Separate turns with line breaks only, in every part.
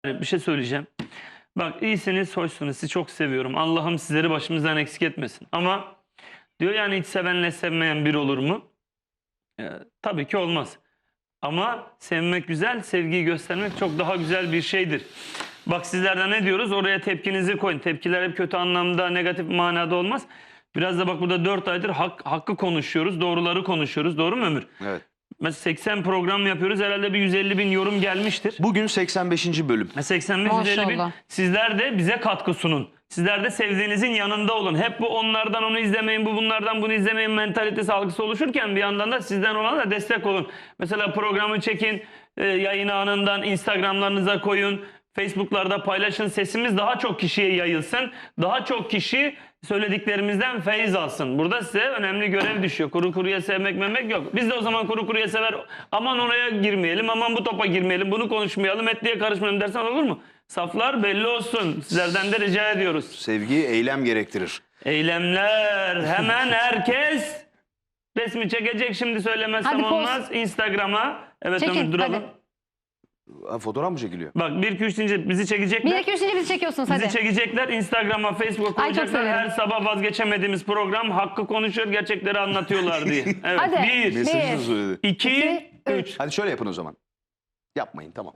Bir şey söyleyeceğim. Bak iyisiniz, hoşsunuz. Sizi çok seviyorum. Allah'ım sizleri başımızdan eksik etmesin. Ama diyor yani hiç sevenle sevmeyen bir olur mu? Tabii ki olmaz. Ama sevmek güzel, sevgiyi göstermek çok daha güzel bir şeydir. Bak sizlerden ne diyoruz? Oraya tepkinizi koyun. Tepkiler hep kötü anlamda, negatif manada olmaz. Biraz da bak burada 4 aydır hakkı konuşuyoruz, doğruları konuşuyoruz. Doğru mu Ömür?
Evet.
Mesela 80 program yapıyoruz. Herhalde bir 150 bin yorum gelmiştir.
Bugün 85. bölüm.
85-150 bin.
Maşallah.
Sizler de bize katkı sunun. Sizler de sevdiğinizin yanında olun. Hep bu onlardan onu izlemeyin, bu bunlardan bunu izlemeyin mentalitesi algısı oluşurken bir yandan da sizden olana da destek olun. Mesela programı çekin, yayın anından Instagram'larınıza koyun. Facebook'larda paylaşın. Sesimiz daha çok kişiye yayılsın. Daha çok kişi söylediklerimizden feyiz alsın. Burada size önemli görev düşüyor. Kuru kuruya sevmek memek yok. Biz de o zaman kuru kuruya sever, aman oraya girmeyelim, aman bu topa girmeyelim, bunu konuşmayalım, etliye karışmayalım dersen olur mu? Saflar belli olsun. Sizlerden de rica ediyoruz.
Sevgi eylem gerektirir.
Eylemler. Hemen herkes resmi çekecek, şimdi söylemezsem
Hadi poz.
olmaz. Instagram'a. Evet
Çekin,
Ömür duralım.
hadi.
Ha, fotoğraf mı çekiliyor?
Bak 1 2 3 deyince bizi çekecekler.
1 2 3 bizi çekiyorsunuz hadi.
Bizi çekecekler. Instagram'a, Facebook'a
Ay, çok
koyacaklar.
severim.
Her sabah vazgeçemediğimiz program hakkı konuşuyor, gerçekleri anlatıyorlar diye. Evet.
Hadi.
1
Mesajını
Bir.
söyledi.
2
İki,
3
Hadi şöyle yapın o zaman. Yapmayın, tamam.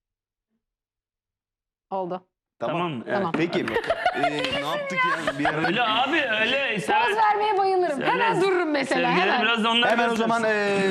Oldu.
Tamam mı? Evet.
Tamam.
Peki. Ne yaptık ya? Bir ara...
Öyle abi öyle.
Poz vermeye bayılırım.
Öyle-
Hemen dururum mesela.
Sevgileri
Hemen.
biraz da onlar
Hemen o
göstersin.
zaman